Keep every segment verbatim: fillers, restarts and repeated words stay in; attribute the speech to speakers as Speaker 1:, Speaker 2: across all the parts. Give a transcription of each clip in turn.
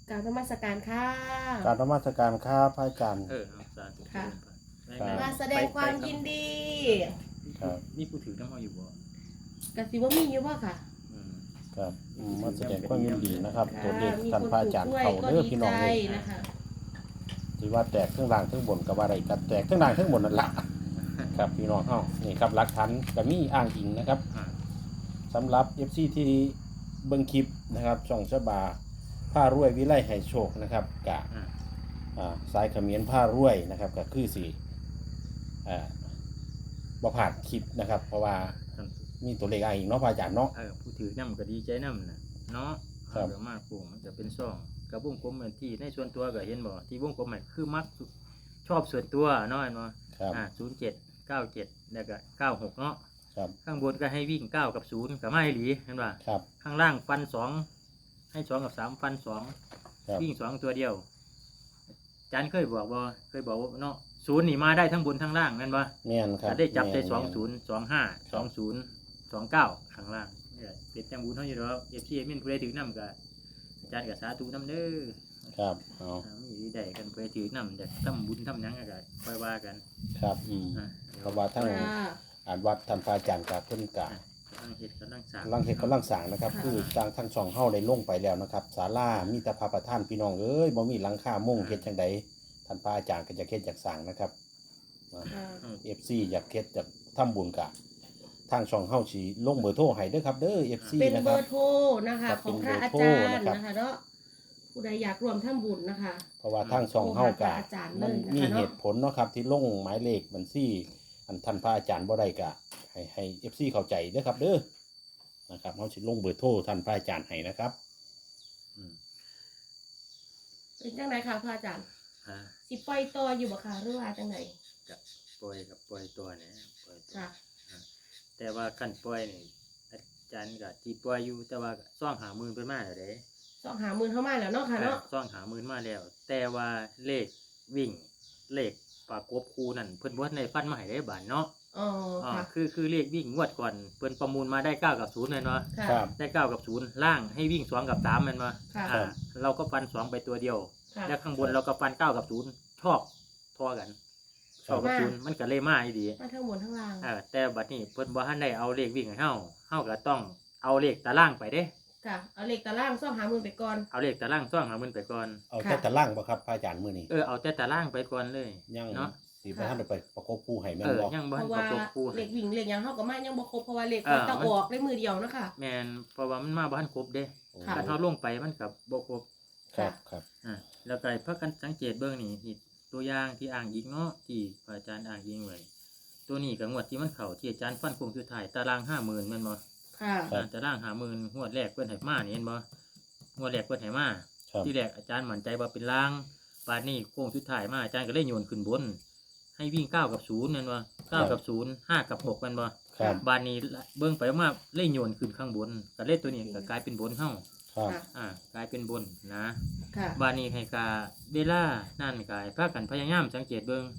Speaker 1: กราบนมัสการค่ะ
Speaker 2: กรารนมัสการครับพระอาจารย์
Speaker 3: เออเอาสาธุ
Speaker 1: ค่ะ
Speaker 3: ไปไป
Speaker 1: มาแสดงความยินดี
Speaker 2: ครับ
Speaker 3: นี่ผู้ถือน้ำมาอยู่บ่
Speaker 1: กสิว่ามีอยู่บ่ค่ะ
Speaker 3: อืม
Speaker 2: ครับอืมมาแสดงความยินดีนะครับ
Speaker 1: ค่ะ
Speaker 2: ตัวเลข
Speaker 1: มี
Speaker 2: ท่าน
Speaker 1: คน
Speaker 2: พระ
Speaker 1: ถู
Speaker 2: อาก จารย์
Speaker 1: ด้วย
Speaker 2: เขา
Speaker 1: ก็
Speaker 2: เด้อ
Speaker 1: ดี
Speaker 2: พี่น้อง
Speaker 1: ใจ
Speaker 2: เลย
Speaker 1: นะคะ
Speaker 2: ที่ว่าแตกทั้งล่างทั้งบนกับว่าอะไรกันแตกทั้งล่างทั้งบนนั่นละครับพี่น้องเอ้านี่ครับหลักฐานก็มีอ้างอิงนะครับ
Speaker 3: อ่า
Speaker 2: สำหรับ เอฟ ซี ที่เบิ่งคลิปนะครับช่องฉบาผ้ารวยวิไลให้โชคนะครับกะ
Speaker 3: อ่า
Speaker 2: อ่าสายเขมิ้นผ้ารวยนะครับก็คือสีอ่าบ่ผ่านคลิปนะครับ เพราะว่า
Speaker 3: ท่าน
Speaker 2: มีตัวเลขอ้างอิงเนาะพระอาจารย์เนาะ
Speaker 3: เออผู้ถือน้ำก็ดีใจน้ำน่ะเนาะ
Speaker 2: ครับ
Speaker 3: เอาเดี๋ยวมากปลูกมันจะเป็นซ่องกับวงกลมเหมือนที่ในส่วนตัวก็เห็นบ่ที่วงกลมใหม่คือมักชอบส่วนตัวเนาะเนาะ
Speaker 2: ครับ
Speaker 3: อ่าศูนย์เจ็ดเก้าเจ็ดแล้วก็เก้าหกเนาะ
Speaker 2: ครับ
Speaker 3: ข้างบนก็ให้วิ่งเก้ากับศูนย์กับไม่หลีเห็นป่ะ
Speaker 2: ครับ
Speaker 3: ข้างล่างฟันสองให้สองกับสามฟันสอง
Speaker 2: ครับ
Speaker 3: วิ่งสองตัวเดียวอาจารย์เคยบอกว่าเคยบอกว่าเนาะศูนย์นี่มาได้ทั้งบนทั้งล่างนั่นปะ
Speaker 2: แม่นครับ
Speaker 3: ได้จับได้
Speaker 2: แม่
Speaker 3: สองศูนย์สองห้าสองศูนย์สองเก้าข้างล่างเนี่ยเป็นจังบุญเท่าอยู่แล้วเอฟซีมินผู้ใดถือน้ำกับอาจารย์กับสาธุน้ำเด้อ
Speaker 2: ครับเอา
Speaker 3: อ่ามีได้กันผู้ใดถือน้ำจะทำบุญทำหยังก็ค่อยว่ากัน
Speaker 2: ครับอืม
Speaker 3: อ่า
Speaker 2: เพราะว่าทั้ง
Speaker 1: ค่ะ
Speaker 2: อ่านวัดท่านพระอาจารย์กับเพิ่นกะ
Speaker 3: กำลังเฮ็ดกำลังสร้าง
Speaker 2: กำลังเฮ็ดกำลังสร้างนะครับ คือทางทั้งช่องเฮาได้ลงไปแล้วนะครับศาลามีแต่พระประธานพี่น้องเอ้ยบ่มีหลังคามุงเฮ็ดจังไดท่านพระอาจารย์ก็จะเฮ็ดอยากสร้างนะครับ
Speaker 1: ค่ะ
Speaker 3: อืม
Speaker 2: เอฟ ซี อยากเฮ็ดอยากทำบุญกะทางช่องเฮาสิลงเบอร์โทรให้เด้อครับเด้อ เอฟ ซี
Speaker 1: เป็น
Speaker 2: นะ
Speaker 1: เบ
Speaker 2: ครั
Speaker 1: อบ ร์โทรนะคะ
Speaker 2: ครับ
Speaker 1: ของพระ
Speaker 2: เป็นเบอร์
Speaker 1: อา
Speaker 2: โทร
Speaker 1: จารย์
Speaker 2: นะครับ
Speaker 1: นะคะเนาะผู้ใดอยากรวมทำบุญนะคะ
Speaker 2: เพราะว่าทางช่องเฮากะ
Speaker 1: โทรหาพระอาจารย์เลย
Speaker 2: มัน
Speaker 1: นะคะ
Speaker 2: มี
Speaker 1: เนาะ
Speaker 2: เหตุผลเนาะครับที่ลงหมายเลขบัญชีอันท่านพระอาจารย์บ่ได้กะให้ให้ เอฟ ซี เข้าใจเด้อครับเด้อนะครับเฮาสิลงเบอร์โทรท่านพระอาจารย์ให้นะครับ
Speaker 3: อืม
Speaker 1: เป็นจังไหนคะพระอาจารย์
Speaker 3: อ่า
Speaker 1: สิปล่อยต่ออยู่บ่คะหรือว่าจังไหน
Speaker 3: กับปล่อยกับปล่อยตัวเนี่ยปล่อยตัว
Speaker 1: ค่ะ
Speaker 3: แต่ว่าขั้นปล่อยนี่อาจารย์ก็ที่ปล่อยอยู่แต่ว่าก็ซ่องหาหมื่นเป็นมาแล้วเด้
Speaker 1: สองหาหมื่นเข้ามาแล้วเนาะค่ะเนาะ
Speaker 3: ซ่องหาหมื่นมาแล้ว แต่ว่าเลขวิ่งเลขปากกบคูนั่นเพิ่นบ่ทันได้ฟันมาให้ได้บานเนาะ
Speaker 1: อ๋อ
Speaker 3: อ่า
Speaker 1: ค่ะ
Speaker 3: คือคือเลขวิ่งงวดก่อนเพิ่นประมูลมาได้เก้ากับศูนย์แม่นบ่
Speaker 1: ค่ะ
Speaker 2: ครับ
Speaker 3: ได้เก้ากับศูนย์ล่างให้วิ่งสองกับสามแม่นบ่
Speaker 1: ค่ะ
Speaker 3: อ่าเราก็ฟันสองไปตัวเดียว
Speaker 1: ค่ะ
Speaker 3: แล้วข้างบนเราก็ฟันเก้ากับศูนย์ชอบทอกันชอบกับศูนย์มันก็เลยมาอีดี
Speaker 1: มาทั้งบนทั้งล่าง
Speaker 3: เออแต่บัดนี้เพิ่นบ่ทันได้เอาเลขวิ่งให้เฮาเฮาก็ต้องเอาเลขตารางไปเด้
Speaker 1: ค่ะ เอาเหล็กตะล่างซ่องหาหมื่นไปก่อน
Speaker 3: เอาเลขตารางซ่องหามันไปก่อน
Speaker 2: เอา
Speaker 1: ค่ะ
Speaker 2: แต่ตารางบ่ครับพระอาจารย์มื้อนี้
Speaker 3: เออเอาแต่ตารางไปก่อนเลย
Speaker 2: ยัง
Speaker 3: เนาะ
Speaker 2: สิบ่ทันได้ไปประกบคู่ให้แม่
Speaker 3: เอน อ
Speaker 2: บ่
Speaker 3: ยังบ่
Speaker 1: เพ
Speaker 3: ทัน
Speaker 1: ราะ
Speaker 3: ประ
Speaker 1: ว่าก
Speaker 3: บคู่
Speaker 1: เหล็กวิ่งเหล็กหยังเข้ากับมายังบ่ครบเพราะว่าเหล็ก
Speaker 3: เออ
Speaker 1: มันจะ
Speaker 3: มัน
Speaker 1: ออกได้มือเดียวนะคะ
Speaker 3: แม่นเพราะว่ามันมาบ่ทันครบเด้
Speaker 1: ค่ะ
Speaker 3: ถ้าเฮาลงไปมันก็บ่ครบ
Speaker 2: ครับครับ
Speaker 3: อ่าแล้วก็เพิ่นกันสังเกตเบิ่งนี่ที่ตัวอย่างที่อ้างอิงเนาะที่พระอาจารย์อ้างอิงไว้ตัวนี้ก็งวดที่มันเข้าที่อาจารย์ฟันคงสุดท้ายตารางห้าหมื่นแม่นบ่
Speaker 1: ค่ะ
Speaker 3: อ่าตารางห้าหมื่นงวดแรกเพิ่นให้มานี่เห็นบ่งวดแรกเพิ่นให้มา
Speaker 2: ครับ
Speaker 3: ที่แรกอาจารย์มั่นใจว่าเป็นล่างบาดนี้โค้งสุดท้ายมาอาจารย์ก็เลยโยนขึ้นบน ให้วิ่งเก้ากับศูนย์นั่นวะเก้ากับศูนย์ห้ากับหกมันวะ
Speaker 2: ครับ
Speaker 3: บาดนี้เบิ่งไปมาเลยโยนขึ้นข้างบนก็เลยตัวนี้ก็กลายเป็นบนเฮา
Speaker 2: ครับ
Speaker 1: ค่ะ
Speaker 3: อ่ากลายเป็นบนนะ
Speaker 1: ค่ะ
Speaker 3: บาดนี้ให้กาเวลานั่นกายพากันพยายามสังเกตเบิ่ง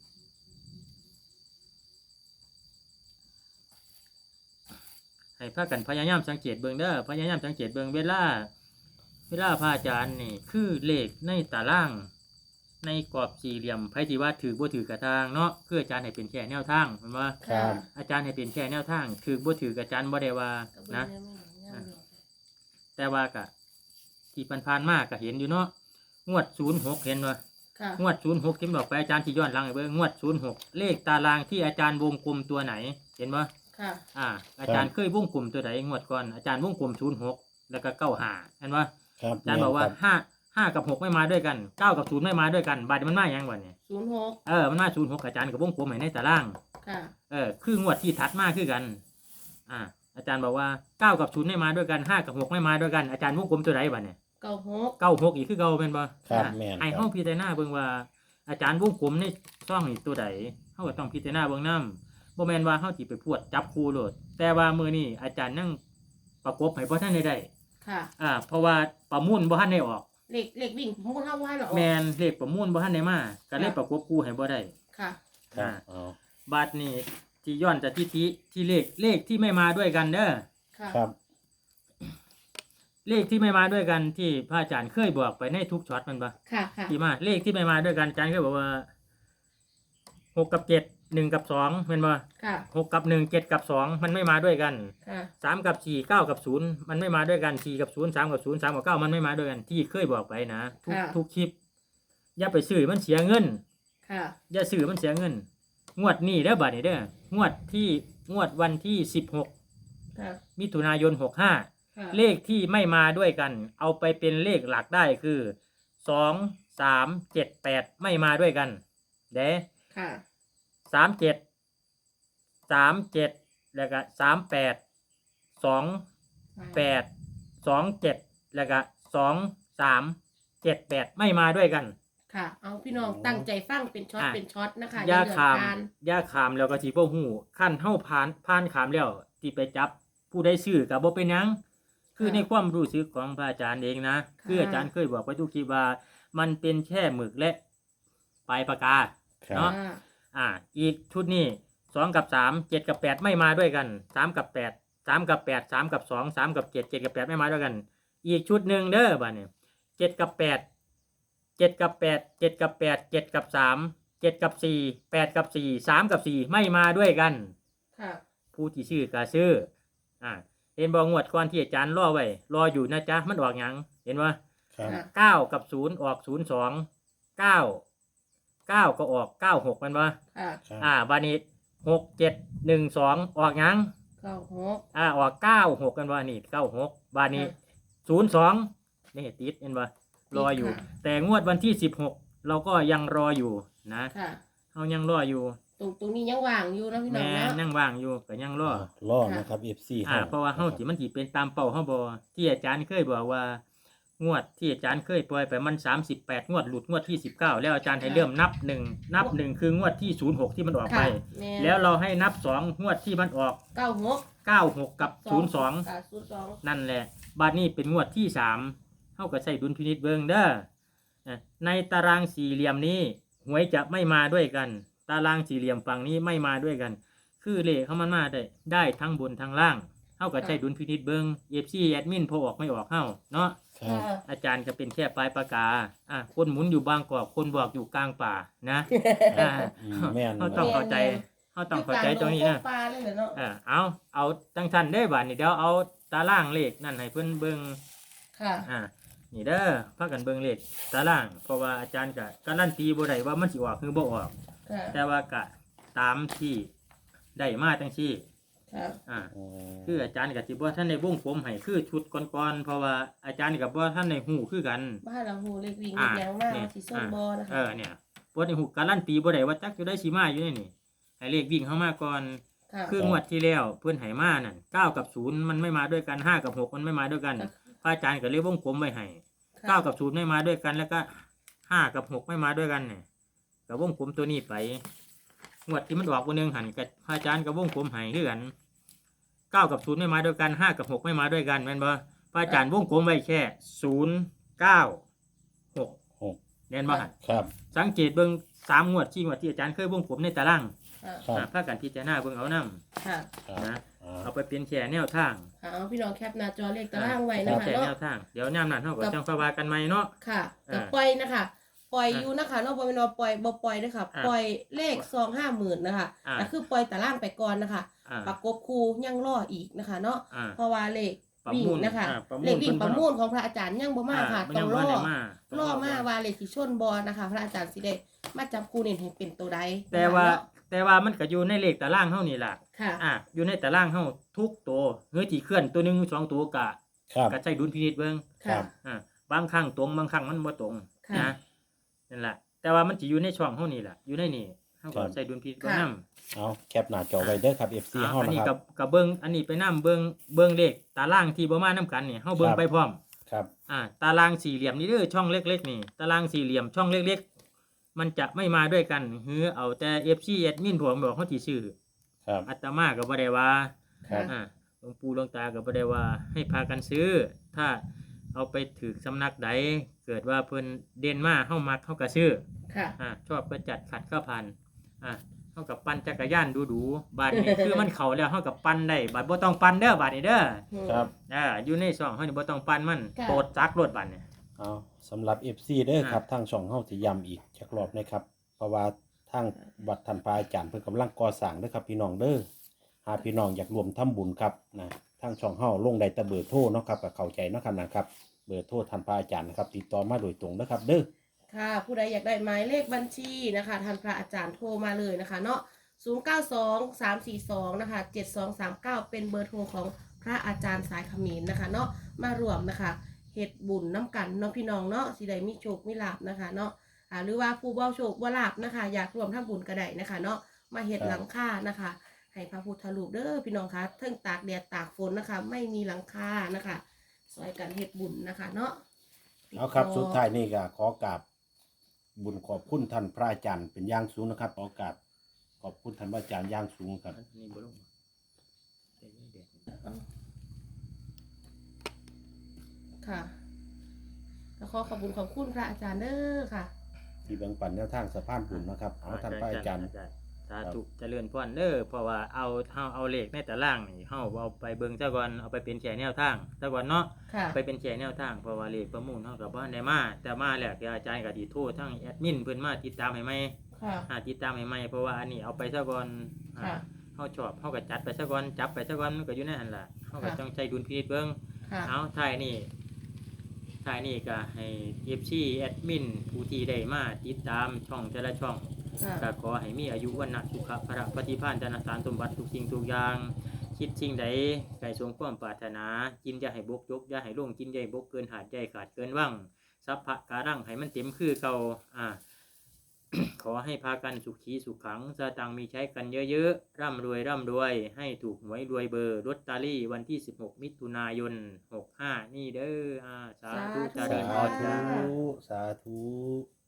Speaker 3: ให้พากันพยายามสังเกตเบิ่งเด้อพยายามสังเกตเบิ่งเวลา เวลาพระอาจารย์นี่คือเลขในตาราง ในกรอบสี่เหลี่ยมไผที่ว่าถือบ่ถือกระทางเนาะคืออาจารย์ให้เป็นแค่แนวทางเห็นบ่
Speaker 2: ครับ
Speaker 3: อาจารย์ให้เป็นแค่แนวทางถือบ่ถือกอาจารย์บ่ได้ว่านะ แต่ว่ากะที่ผ่านๆมาก็เห็นอยู่เนาะงวดศูนย์หกเห็นบ่
Speaker 1: ค่ะ
Speaker 3: งวดศูนย์หกที่บอกไปอาจารย์ที่ย้อนหลังให้เบิ่งงวดศูนย์หกเลขตารางที่อาจารย์วงกลมตัวไหนเห็นบ่
Speaker 1: ค่ะ
Speaker 3: อ่า อาจารย์เคยวงกลมตัวไหนงวดก่อนอาจารย์วงกลมศูนย์หกแล้วก็เก้าห้าเห็นบ่
Speaker 2: ครับ
Speaker 3: อาจารย์บอกว่าห้าห้ากับหกไม่มาด้วยกันเก้ากับศูนย์ไม่มาด้วยกันบาดนี้มันมาอย่างวะเนี่ย
Speaker 1: ศูนย์หก
Speaker 3: เออมันมาศูนย์หกอาจารย์กับวงกลมให้ในตาราง
Speaker 1: ค่ะ
Speaker 3: เออคืองวดที่ถัดมาคือกัน อ่า อาจารย์บอกว่าเก้ากับศูนย์ไม่มาด้วยกันห้ากับหกไม่มาด้วยกันอาจารย์วงกลมตัวไหนวะเนี่ย
Speaker 1: เก้าหก
Speaker 3: เก้าหกอีกคือเก้าเป็นบ่
Speaker 2: ครับ
Speaker 3: อ่า
Speaker 2: แม่น
Speaker 3: ไอ้
Speaker 2: ครั
Speaker 3: ห้อง
Speaker 2: บ
Speaker 3: พิจารณาเบิ่งว่า อาจารย์วงกลมในช่องนี่ตัวใดเฮาก็ต้องพิจารณาเบิ่งนำบ่แม่นว่าเฮาสิไปพวดจับคู่โลดแต่ว่ามื้อนี้อาจารย์นั่งประกบให้บ่ทันได้ได้
Speaker 1: ค่ะ
Speaker 3: อ่า เพราะว่าประมูลบ่ทันได้ออก
Speaker 1: เหล็กเหล็กวิ่งมุดเท่าว่าเหรอ
Speaker 3: แมนเลขประมูลบ่ทันได้มาก็เลยประกบคู่ให้บ่ได้
Speaker 1: ค่ะ
Speaker 2: ครับเอา
Speaker 3: บาทนี้ที่ย้อนจากที่ที่ที่เลขเลขที่ไม่มาด้วยกันเด้อ
Speaker 1: ค่ะ
Speaker 2: ครับ
Speaker 3: เลขที่ไม่มาด้วยกันที่พระอาจารย์เคยบอกไปในทุกช็อตมันปะ
Speaker 1: ค่ะค่ะ
Speaker 3: ที่มาเลขที่ไม่มาด้วยกันอาจารย์เคยบอกว่าหกกับเจ็ดหนึ่งกับสองเป็นปะ
Speaker 1: ค่ะ
Speaker 3: หกกับหนึ่งเจ็ดกับสองมันไม่มาด้วยกัน
Speaker 1: ค่ะ
Speaker 3: สามกับสี่เก้ากับศูนย์มันไม่มาด้วยกันสี่กับศูนย์สามกับศูนย์สามกับเก้ามันไม่มาด้วยกันที่เคยบอกไปนะทุกทุกคลิปอย่าไปซื้อมันเสียเงิน
Speaker 1: ค่ะ
Speaker 3: อย่าซื้อมันเสียเงิน งวดนี้เด้อบัดนี้เด้องวดที่งวดวันที่สิบหก
Speaker 1: ค่ะ
Speaker 3: มิถุนายนหกห้า
Speaker 1: ค่ะ
Speaker 3: เลขที่ไม่มาด้วยกัน เอาไปเป็นเลขหลักได้คือสองสามเจ็ดแปดไม่มาด้วยกันเด้
Speaker 1: ค่ะ
Speaker 3: สามเจ็ดสามเจ็ดแล้วก็สามแปดสองแปดสองเจ็ดแล้วก็สองสามเจ็ดแปดไม่มาด้วยกัน
Speaker 1: ค่ะ เอาพี่น้องตั้งใจฟังเป็นช็อต
Speaker 3: อ่ะ
Speaker 1: เป็นช็อตนะคะ
Speaker 3: ย่า
Speaker 1: เดือด
Speaker 3: ขาม
Speaker 1: การ
Speaker 3: ย่าขามแล้วก็สิบ่ฮู้ขั้นเฮาผ่านผ่านขามแล้วที่ไปจับผู้ได้ซื้อก็บ่เป็นหยังคือในความรู้สึกของพระอาจารย์เองนะคืออาจารย์เคยบอกไว้ทุกทีว่ามันเป็นแค่หมึกและปลายปากกา
Speaker 2: ครับ
Speaker 3: เนาะ อ่า อีกชุดนี้สองกับสามเจ็ดกับแปดไม่มาด้วยกันสามกับแปดสามกับแปดสามกับสองสามกับเจ็ดเจ็ดกับแปดไม่มาด้วยกัน อีกชุดหนึ่งเด้อบ้านเนี่ยเจ็ดกับแปดเจ็ดกับแปดเจ็ดกับแปดเจ็ดกับสามเจ็ดกับสี่แปดกับสี่สามกับสี่ไม่มาด้วยกัน
Speaker 1: ค่ะ
Speaker 3: ผู้ที่ชื่อกาซื้ออ่าเห็นบองวดก่อนที่อาจารย์รอไว้รออยู่นะจ๊ะมันออกหยังเห็นว่า
Speaker 2: ครับ
Speaker 1: ค่ะ
Speaker 3: เก้ากับศูนย์ออกศูนย์สองเก้าเก้าก็ออกเก้าหกมันวะ
Speaker 1: ค่ะ
Speaker 2: ครับ
Speaker 3: อ่าบานี้หกเจ็ดหนึ่งสองออกหยัง
Speaker 1: เก้าหก
Speaker 3: อ่าออกเก้าหกกันว่านี่เก้าหกบานี้
Speaker 1: ค่ะ
Speaker 3: ศูนย์สองนี่ติดเห็นว่รออยู่
Speaker 1: ค่ะ
Speaker 3: แต่งวดวันที่สิบหกเราก็ยังรออยู่นะ
Speaker 1: ค่ะ
Speaker 3: เรายังรออยู่
Speaker 1: ตรงตรงนี้ยังว่างอยู่นะพี่น้อ
Speaker 3: แม่
Speaker 1: งนะ
Speaker 3: นั่งว่างอยู่ก็ยังรอ
Speaker 2: รอนะครับ เอฟ ซี
Speaker 3: อ่าเพราะว่าเฮาสิมันสิเป็นตามเป้าเฮาบ่ที่อาจารย์เคยบอกว่า งวดที่อาจารย์เคยปล่อยไปมันสามสิบแปดงวดหลุดงวดที่สิบเก้าแล้วอาจารย์ให้เริ่มนับหนึ่งนับหนึ่งคืองวดที่ศูนย์หกที่มันออกไป
Speaker 1: ค่ะม่
Speaker 3: แล้วเราให้นับสองงวดที่มันออก
Speaker 1: เก้าหก
Speaker 3: เก้าหกกับศูนย์สอง
Speaker 1: ค่ะศูนย์สอง
Speaker 3: นั่นแหละบาดนี้เป็นงวดที่สามเฮาก็ใช้ดุลพินิจเบิ่งเด้ออ่ะในตารางสี่เหลี่ยมนี้หวยจะไม่มาด้วยกัน ตารางสี่เหลี่ยมฝั่งนี้ไม่มาด้วยกัน คือเลขเขามันมาได้ได้ทั้งบนทั้งล่างเฮาก็ใช้ดุลพินิจเบิ่ง เอฟ ซี แอดมินพอออกไม่ออกเฮาเนาะ
Speaker 2: ครับ
Speaker 1: ค่ะ
Speaker 3: อาจารย์ก็เป็นแค่ปลายปากกาอ่ะคนหมุนอยู่บางกอกคนบอกอยู่กลางป่านะอ่า
Speaker 2: อืมแม่น
Speaker 3: เขาต้องเข้าใจเขาต้องเข้าใจตรงนี้นะ
Speaker 1: อยู่กลาดงปลาเลยเหรอเนาะ
Speaker 3: เออเอาเอาจังทันได้บ่านี่เดี๋ยวเอาตารางเลขนั่นให้เพิ่นเบิ่ง
Speaker 1: ค่ะ
Speaker 3: อ่านี่เด้อพากันเบิ่งเลขตารางเพราะว่าอาจารย์ก็การันตีบ่ได้ว่ามันสิออกหรือบ่ออก
Speaker 1: ค่ะ
Speaker 3: แต่ว่าก็ตามที่ได้มาจังซี่
Speaker 1: ค่ะ
Speaker 3: อ่า
Speaker 2: อืม
Speaker 3: คืออาจารย์ก็สิบ่ทันได้วงผมให้คือชุดก่อนๆเพราะว่าอาจารย์ก็บ่ทันได้ฮู้คือกัน
Speaker 1: บ้านเราหูเล็กวิ่ง
Speaker 3: อ่า
Speaker 1: เล็กแรงมาก
Speaker 3: นี่
Speaker 1: สีส้มบอนะคะ
Speaker 3: เออเนี่ยบ่ได้ฮู้การันตีบ่ได้ว่าจักอยู่ได้สิมาอยู่ในนี่ให้เลขวิ่งเข้ามาก่อน
Speaker 1: ค่ะ
Speaker 3: คืองวดที่แล้วเพื่อนไหมานั่นเก้ากับศูนย์มันไม่มาด้วยกันห้ากับหกมันไม่มาด้วยกัน
Speaker 1: ค่ะ
Speaker 3: พระอาจารย์ก็เลยวงกลมไว้ให้
Speaker 1: ค่ะ
Speaker 3: เก้ากับศูนย์ไม่มาด้วยกัน แล้วก็ห้ากับหกไม่มาด้วยกันเนี่ยก็วงกลมตัวนี้ไปงวดที่มันออกวันหนึ่งหันกับพระอาจารย์ก็วงกลมให้คือกันเก้ากับศูนย์ไม่มาด้วยกันห้ากับหกไม่มาด้วยกันแม่นบ่พระอาจารย์วงกลมไว้แค่ศูนย์เก้าหก
Speaker 2: หก
Speaker 3: แน่นบ่หัน
Speaker 2: ครับ
Speaker 3: สังเกตเบิ่งสามงวดที่งวดที่อาจารย์เคยวงกลมในตาราง
Speaker 1: ค่ะ
Speaker 2: ครับ
Speaker 3: อ่าพากันพิจารณาเบิ่งเอานํ
Speaker 1: ค่ะ
Speaker 2: ครับ
Speaker 3: นะ
Speaker 2: อ่า
Speaker 3: เอาไปเป็นแค่แนวทาง
Speaker 1: ค่ะเอาพี่น้องแคปหน้าจอเลขตารางไว้นะ
Speaker 3: เอา
Speaker 1: คะ
Speaker 3: แค่แน
Speaker 1: เนาะ
Speaker 3: วทางเดี๋ยวยามนั้นเฮาก็จังค่อยว่ากันใหม่เนาะ
Speaker 1: ค่ะ
Speaker 3: อ่า
Speaker 1: กับปล่อยนะคะปล่อย
Speaker 3: อ่า
Speaker 1: อยู่นะคะเนาะบ่เป็นว่าปล่อยบ่ปล่อยนะคะ
Speaker 3: อ่า
Speaker 1: ปล่อยเลขซองห้าหมื่นนะคะ
Speaker 3: อ่า
Speaker 1: แต่คือปล่อยตารางไปก่อนนะคะ
Speaker 3: อ่า
Speaker 1: ประกบคูยังรออีกนะคะ เนาะ
Speaker 3: อ่า
Speaker 1: เพราะว่าเลข
Speaker 3: ประ
Speaker 1: วิ่ง
Speaker 3: มูล
Speaker 1: นะคะ
Speaker 3: อ่าประมูล
Speaker 1: เลขวิ่ง
Speaker 3: เพิ่น
Speaker 1: ประมูลของพระอาจารย์ยังบ่มาค่ะ
Speaker 3: มัน
Speaker 1: ต้
Speaker 3: ยั
Speaker 1: อง
Speaker 3: ง
Speaker 1: ร
Speaker 3: บ่
Speaker 1: อ
Speaker 3: ได้มา
Speaker 1: รอมาว่าเลขที่ชนบอนะคะ พระอาจารย์สิได้มาจับคู่เน้นให้เป็นตัวใด
Speaker 3: แต่ว่า
Speaker 1: เนะ
Speaker 3: แต่ว่ามันก็อยู่ในเลขตารางเฮานี่ล่ะ
Speaker 1: ค่ะ
Speaker 3: อ่าอยู่ในตารางเฮาทุกตัวเฮือที่เคลื่อนตัวหนึงสองตัวก็
Speaker 2: ครับ
Speaker 3: ก็ใช้ดุลพินิจเบิ่ง
Speaker 1: ค่ะ
Speaker 3: อ่าบางครั้งตรงบางครั้งมันบ่ตรง
Speaker 1: ค่ะ
Speaker 3: นะนั่นแหละแต่ว่ามันสิอยู่ในช่องเฮานี่ล่ะอยู่ในนี่เฮาก็ใช้ดุลพินิจเบิ่ง
Speaker 1: ค่ะ
Speaker 3: นํ
Speaker 2: เอาแคปหน้าจอไว้เด้อครับ เอฟ ซี
Speaker 3: อ่า
Speaker 2: เฮา
Speaker 3: อัน
Speaker 2: นะ
Speaker 3: นี้
Speaker 2: ค
Speaker 3: กั
Speaker 2: รั
Speaker 3: บบ กับเบิ่งอันนี้ไปนํเบิ่งเบิ่งเลขตารางที่บ่มานํกันนี่เฮาเบิ่ง
Speaker 2: ครับ
Speaker 3: ไปพร้อม
Speaker 2: ครับ
Speaker 3: อ่าตารางสี่เหลี่ยมนี่เด้อช่องเล็กๆนี่ตารางสี่เหลี่ยมช่องเล็กๆ มันจะไม่มาด้วยกันเฮือเอาแต่ เอฟ ซี แอดมินผมบอกเขาสิซื้อ
Speaker 2: ครับ
Speaker 3: อาตมาก็บ่ได้ว่า
Speaker 2: ครับ
Speaker 3: อ่าหลวงปู่หลวงตาก็บ่ได้ว่าให้พากันซื้อ ถ้าเอาไปถือสำนักใดเกิดว่าเพิ่นเด่นมาเฮามักเฮาก็ซื้อ
Speaker 1: ค่ะ
Speaker 3: อ่าชอบก็จัดขัดก็ผ่านอ่าเฮาากับปั่นจักรยานดูๆบาดนี้ คือมันเข้าแล้วเฮากับปั่นได้บาดบ่ต้องปั่นเด้อบาดนี้เด้อ
Speaker 2: ครับ
Speaker 3: อ่าอยู่ในช่องเฮานี่บ่ต้องปั่นมัน
Speaker 1: ค่ะ
Speaker 3: โปรดจักรถบาดนี้
Speaker 2: เอาสำหรับ เอฟ ซี เด้อ
Speaker 3: อ่า
Speaker 2: ครับทางช่องเฮาสิย้ำอีกจักรอบนะครับ เพราะว่าทางวัดท่านพระอาจารย์เพิ่นกำลังก่อสร้างเด้อครับพี่น้องเด้อหากพี่น้องอยากรวมทำบุญครับนะทางช่องเฮาลงได้แต่เบอร์โทรเนาะครับก็เข้าใจเนาะครับนะครับเบอร์โทรท่านพระอาจารย์นะครับติดต่อมาโดยตรงเด้อครับเด้อ
Speaker 1: ค่ะ ผู้ใดอยากได้หมายเลขบัญชีนะคะท่านพระอาจารย์โทรมาเลยนะคะเนาะศูนย์ เก้า สอง สาม สี่ สองนะคะเจ็ด สอง สาม เก้าเป็นเบอร์โทรของพระอาจารย์สายเขมิ้นนะคะเนาะมารวมนะคะเฮ็ดบุญน้ำกันเนาะพี่น้องเนาะสิได้มีโชคมีลาภนะคะเนาะอ่าหรือว่าผู้บ่โชคบ่ลาภนะคะอยากรวมทำบุญก็ได้นะคะเนาะมาเฮ็ดหลังคานะคะให้พระพุทธรูปเด้อพี่น้องคะเทิงตากแดดตากฝนนะคะ ไม่มีหลังคานะคะซอยกันเฮ็ดบุญนะคะเนาะ
Speaker 2: เอาครับสุดท้ายนี่ก็ขอกราบบุญขอบคุณท่านพระอาจารย์เป็นอย่างสูงนะครับขอกราบขอบคุณท่านพระอาจารย์อย่างสูงครับ
Speaker 3: อันนี้บ่ลงเดี๋ยวนี้เดี๋ยว
Speaker 1: ค่ะแล้วขอขอบคุณขอบคุณพระอาจารย์เด้อค่ะ
Speaker 2: ที่แบ่งปันแนวทางสะพานบุญนะครับเอาท่านพระอาจารย์
Speaker 3: สาธุเจริญพรเด้อเพราะว่าเอาเฮาเอาเลขในตารางนี่เฮาเอาไปเบิ่งซะก่อนเอาไปเป็นแชร์แนวทางซะก่อนเนาะ
Speaker 1: ค่ะ
Speaker 3: ไปเป็นแชร์แนวทางเพราะว่าเลขประมูลเฮาก็บ่ทันได้มาแต่มาแล้วที่อาจารย์ก็สิโทรทั้งแอดมินเพิ่นมาติดตามให้ใหม่
Speaker 1: ค่ะ
Speaker 3: อ่าติดตามให้ใหม่เพราะว่าอันนี้เอาไปซะก่อนอ่า
Speaker 1: ค่ะ
Speaker 3: เฮาชอบเฮาก็จัดไปซะก่อนจับไปซะก่อนมันก็อยู่ในหั่นล่ะเฮาก็
Speaker 1: ค่ะ
Speaker 3: ต้องใช้ดุลพินิจเบิ่ง
Speaker 1: ค่ะ
Speaker 3: เอาท้ายนี่ท้ายนี่ก็ให้ เอฟ ซี แอดมินผู้ที่ได้มาติดตามช่องแต่ละช่อง
Speaker 1: ค่ะ
Speaker 3: ก็ขอให้มีอายุวันนะสุขภะปฏิภาณธนสารสมบัติทุกสิ่งทุกอย่าง คิดสิ่งใดไก่สมความปรารถนา กินอย่าให้บกยกอย่าให้ลงกินใหญ่บกเกินหาดใหญ่ขาดเกินว่างสัพพะการังให้มันเต็มคือเก่าอ่า ขอให้พากันสุขีสุขขังสตังค์มีใช้กันเยอะๆร่ำรวยร่ำรวย ให้ถูกหวยรวยเบอร์ลอตเตอรี่วันที่สิบหกมิถุนายนหกห้านี่เด้ออ่าสาธุ
Speaker 1: สาธุ
Speaker 3: เจริญพ
Speaker 2: สาร
Speaker 3: จ้า
Speaker 2: ธุสาธุ